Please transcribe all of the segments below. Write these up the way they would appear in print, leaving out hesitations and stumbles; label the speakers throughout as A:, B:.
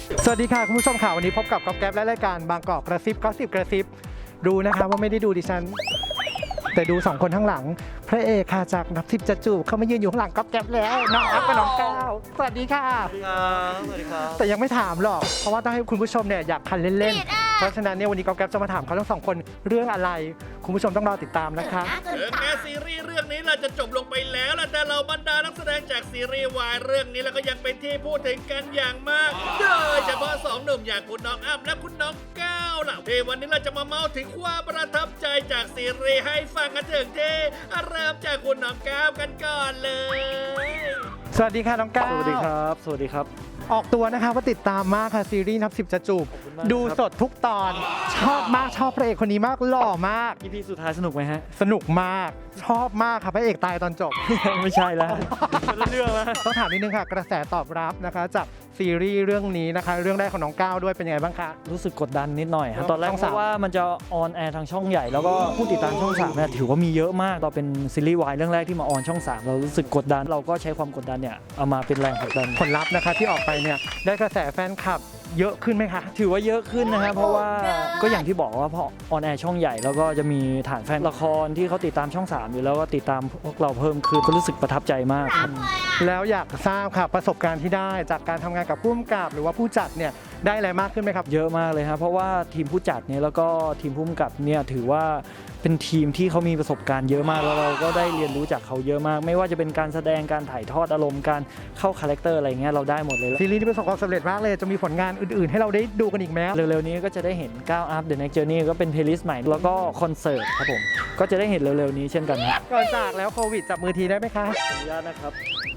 A: สวัสดีค่ะคุณผู้ชมค่ะวันนี้พบกับก๊อฟแก๊ปและรายการบางกอกกระซิบก็10กระซิบดูนะคะว่าไม่ได้ดูดิฉันแต่ดู2คนข้างหลังพระเอกค่ะจากนับ10จะจูบเขามายืนอยู่ข้างหลังก๊อฟแก๊ปแล้วน้องอัพกับน้องก้าวสวัสดีค่ะ
B: สวัสดีครับ
A: แต่ยังไม่ถามหรอกเพราะว่าต้องให้คุณผู้ชมเนี่ยอยากคันเล่นๆเพราะฉะนั้นเนี่ยวันนี้ก๊อฟแก๊ปจะมาถามเขาทั้ง2คนเรื่องอะไรคุณผู้ชมต้องรอติดตามนะคะ
B: ถึงแม้ซีรีส์เรื่องนี้เราจะจบลงไปแล้วล่ะแต่เราบรรดานักแสดงจากซีรีส์วายเรื่องนี้แล้วก็ยังเป็นที่พูดถึงกันอย่างมากโดยเฉพาะ2หนุ่มอย่างคุณน้องอ้ำและคุณน้องก้าวล่ะที่วันนี้เราจะมาเมาถึงความประทับใจจากซีรีส์ให้ฟังกันถึงที่เริ่มจากคุณน้องก้าวกันก่อนเลย
A: สวัสดีค่ะน้องก้าว
C: สวัสดีครับ สวัสดีครับ
A: ออกตัวนะคะว่าติดตามมากค่ะซีรีส์นับ10จะจูบ
C: คุณมาก
A: ดูสดทุกตอนชอบมากชอบพระเอกคนนี้มากหล่อมาก
C: EP สุดท้ายสนุกไหมฮะ
A: สนุกมากชอบมากค่ะพระเอกตายตอนจบ
C: ไม่ใช่แล้วคนละเรื่องแล้ว
A: ต้องถามนิดนึงค่ะกระแสตอบรับนะคะจากซีรีส์เรื่องนี้นะคะเรื่องแรกของน้องก้าวด้วยเป็นยังไงบ้างคะ
C: รู้สึกกดดันนิดหน่อยฮะตอนแรก
A: ช่อง
C: เพ
A: สาม
C: ราะว่ามันจะออนแอร์ทางช่องใหญ่แล้วก็ผู้ติดตามช่อง3เนี่ยถือว่ามีเยอะมากเราเป็นซีรีส์วายเรื่องแรกที่มาออนช่อง3เรารู้สึกกดดันเราก็ใช้ความกดดันเนี่ยเอามาเป็นแรงผลักดัน
A: ผลลัพธ์นะคะที่ออกไปเนี่ยได้กระแสแฟนคลับเยอะขึ้นไหมคะ
C: ถือว่าเยอะขึ้นนะฮะเพราะว่าก็อย่างที่บอกว่าพอออนแอร์ช่องใหญ่แล้วก็จะมีฐานแฟนละครที่เขาติดตามช่อง3อยู่แล้วก็ติดตามพวกเราเพิ่มขึ้นก็รู้สึกประทับใจมาก
A: แล้วอยากทราบค่ะประสบการณ์ที่ได้จากการทำงานกับผู้กำกับหรือว่าผู้จัดเนี่ยได้อะไรมากขึ้นไหมครับ
C: เยอะมากเลยครับเพราะว่าทีมผู้จัดเนี่ยแล้วก็ทีมผู้กำกับเนี่ยถือว่าเป็นทีมที่เขามีประสบการณ์เยอะมากแล้วเราก็ได้เรียนรู้จากเขาเยอะมาก ไม่ว่าจะเป็นการแสดงการถ่ายทอดอารมณ์การเข้าคาแรคเตอร์อะไรเงี้ยเราได้หมดเลย
A: ซีรีส์ที่ประสบความสำเร็จมากเลยจะมีผลงานอื่นๆ ให้เราได้ดูกันอีกไหม
C: เร็วๆนี้ก็จะได้เห็น9 Up The Next Journey ก็เป็นเพลย์ลิสต์ใหม่แล้วก็คอนเสิร์ตครับผมก็จะได้เห็นเร็วๆนี้เช่นกันครับ
A: ก่อนจากแล้วโควิดจับมือทีได้ไหมคะ
C: ขออนุญาตนะครับ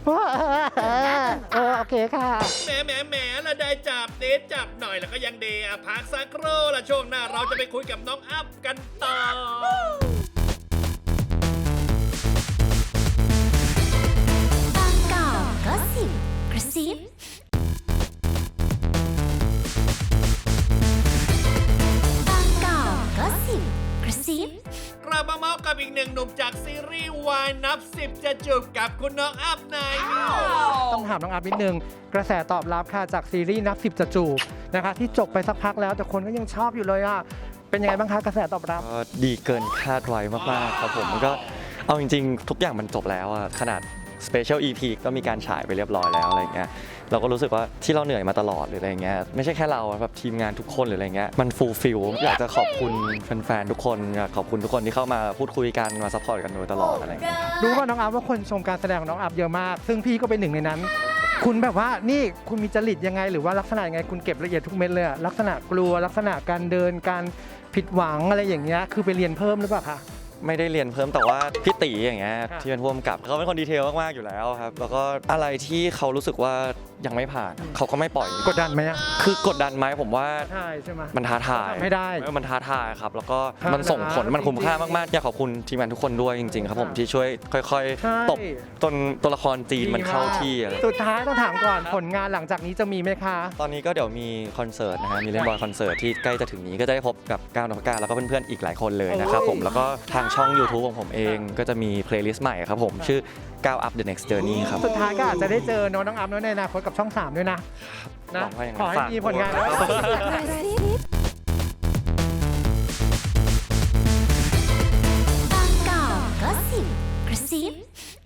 A: โอเคค่ะ
B: แหมละได้จับเดทจับหน่อยแล้วก็ยังเดย์พักสักครู่ละช่วงหน้าเราจะไปคุยกับน้องอัพกันต่อ
D: บางกอกก็สิบกระซิบางกอกก็สิบกระซิบ
B: กลับมาเมาส์กับอีกหนึ่งหนุ่มจากซีรีส์วายนับ10จะจูบกับคุณน้องอัพนาย
A: ต้องถามน้องอัพนิดนึงกระแสตอบรับค่ะจากซีรีส์นับ10จะจูบนะคะที่จบไปสักพักแล้วแต่คนก็ยังชอบอยู่เลยอ่ะเป็นยังไงบ้างคะกระแสตอบรับ
E: ก็ดีเกินคาดไว้มากๆครับผมมันก็เอาจริงๆ ทุกอย่างมันจบแล้วอะขนาด Special EP ก็มีการฉายไปเรียบร้อยแล้วอะไรเงี้ยเราก็รู้สึกว่าที่เราเหนื่อยมาตลอดหรืออะไรเงี้ยไม่ใช่แค่เราอะแบบทีมงานทุกคนหรืออะไรเงี้ยมันฟูลฟิลอยากจะขอบคุณแฟนๆทุกคนอยากขอบคุณทุกคนที่เข้ามาพูดคุยกันมาซัพพอร์ตกันโดยตลอดอะไรเงี้ย
A: รู้ว่าน้องอัพว่าคนชมการแสดงของน้องอัพเยอะมาก ซึ่งพี่ก็เป็นหนึ่งในนั้น คุณแบบว่านี่คุณมีจริตยังไงหรือว่าลักษณะยังไงคุณเก็บละเอียดทุกเม็ดเลยอะลักษณะกลัวลักษณะการเดินการผิดหวังอะไรอย่างเงี้ยคือไปเรียนเพิ่มหรือเปล่าคะ
E: ไม่ได้เรียนเพิ่มแต่ว่าพี่ตีอย่างเงี้ย
A: ครับ
E: ที่เป็นผู้กำกับเขาเป็นคนดีเทลมากๆอยู่แล้วครับแล้วก็อะไรที่เขารู้สึกว่ายังไม่ผ่านเขาก็ไม่ปล่อย
A: กดดันไหมอะ
E: คือกดดันไหมผมว่า
A: ใช่ใช่ไหม
E: มันท้าทาย
A: ไม่ได้
E: มันท้าทายครับแล้วก็
A: ท้าทาย
E: มันส่งผลมันคุ้มค่า
A: จริงๆ
E: มากๆอยากขอบคุณทีมงานทุกคนด้วยจริงๆครับผม
A: ครับ
E: ที่ช่วยค่อย
A: ใช่
E: ๆตบจนตัวละครจีนมันเข้าที่อะไร
A: สุดท้ายต้องถามก่อนผลงานหลังจากนี้จะมีไหมคะ
E: ตอนนี้ก็เดี๋ยวมีคอนเสิร์ตนะฮะมีเล่นบอลคอนเสิร์ตที่ใกล้จะถึงนี้ก็จะได้พบกับก้าวนพก้าแล้วก็เพื่อนๆอีกหลายคนเลยนะครับผมแล้วก็ทางช่อง YouTube ของผมเองก็จะมีเพลย์ลิสต์ใหม่ครับผมชื่อ9 Up The Next Journey ครับ
A: สุดท้ายก็อาจจะได้เจอน้องอัพในอนาคตกับช่อง 3 ด้วยนะ
E: หวังว่าอย่างนั้น
A: ขอให้
E: ฝาก
A: มีผลงาน
E: ด้วย
A: แล้ว
D: กระซิบบางกอกก็สิบกระซิบ